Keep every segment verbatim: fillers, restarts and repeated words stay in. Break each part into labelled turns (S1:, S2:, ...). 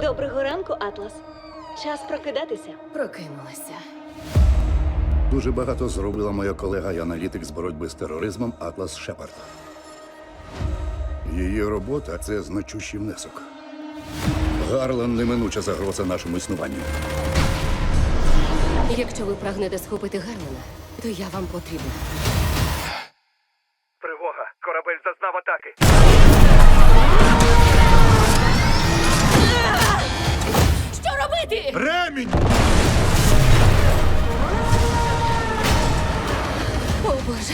S1: Доброго ранку, Атлас. Час прокидатися.
S2: Прокинулася.
S3: Дуже багато зробила моя колега і аналітик з боротьби з тероризмом Атлас Шепард. Її робота – це значущий внесок. Гарлан – неминуча загроза нашому існуванню.
S2: Якщо ви прагнете схопити Гарлена, то я вам потрібна.
S4: Тривога! Корабель зазнав атаки!
S2: Що робити?
S4: Ремінь!
S2: О, Боже.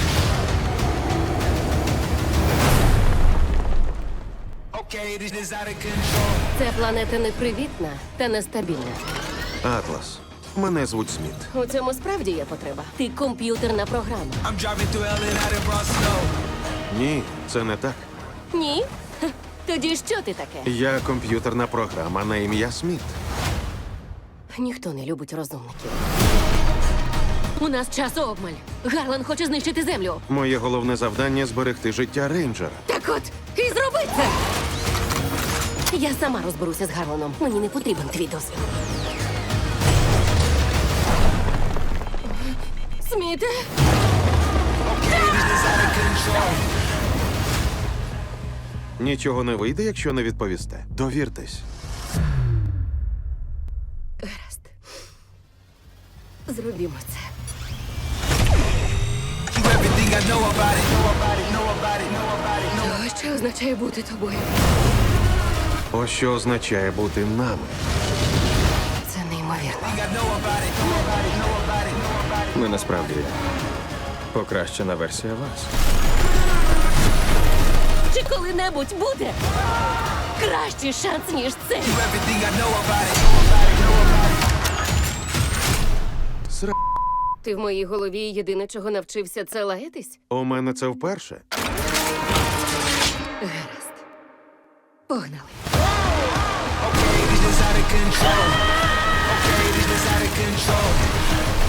S2: Ця планета непривітна та нестабільна.
S5: Атлас. Мене звуть Сміт.
S2: У цьому справді є потреба. Ти комп'ютерна програма.
S6: I'm driving through L A and out in Bronx,
S5: Ні, це не так.
S2: Ні? Ха, тоді що ти таке?
S5: Я комп'ютерна програма на ім'я Сміт.
S2: Ніхто не любить розумників. У нас час обмаль. Гарлан хоче знищити землю.
S5: Моє головне завдання зберегти життя рейнджера.
S2: Так от, і зроби це! Я сама розберуся з Гарланом. Мені не потрібен твій дозвіл. Сміте?
S5: Нічого не вийде, якщо не відповісте. Довіртесь.
S2: Гаразд. Зробімо це.
S6: keep everything I know about it, know about it, know about it, know about it, know
S2: Ось що означає бути тобою.
S5: Ось що означає бути нами.
S2: Це неймовірно.
S6: I know about it, know about it, know about it, know about it.
S7: Ми насправді покращена версія вас.
S2: Чи коли-небудь буде кращий шанс, ніж це?
S6: Everything I know about it, know about it, know about it.
S5: Сра...
S2: Ти в моїй голові єдине, чого навчився, це лаятись?
S5: У мене це вперше.
S2: Гаразд. Погнали.
S6: Okay, this is out of control. Okay, this is out of control.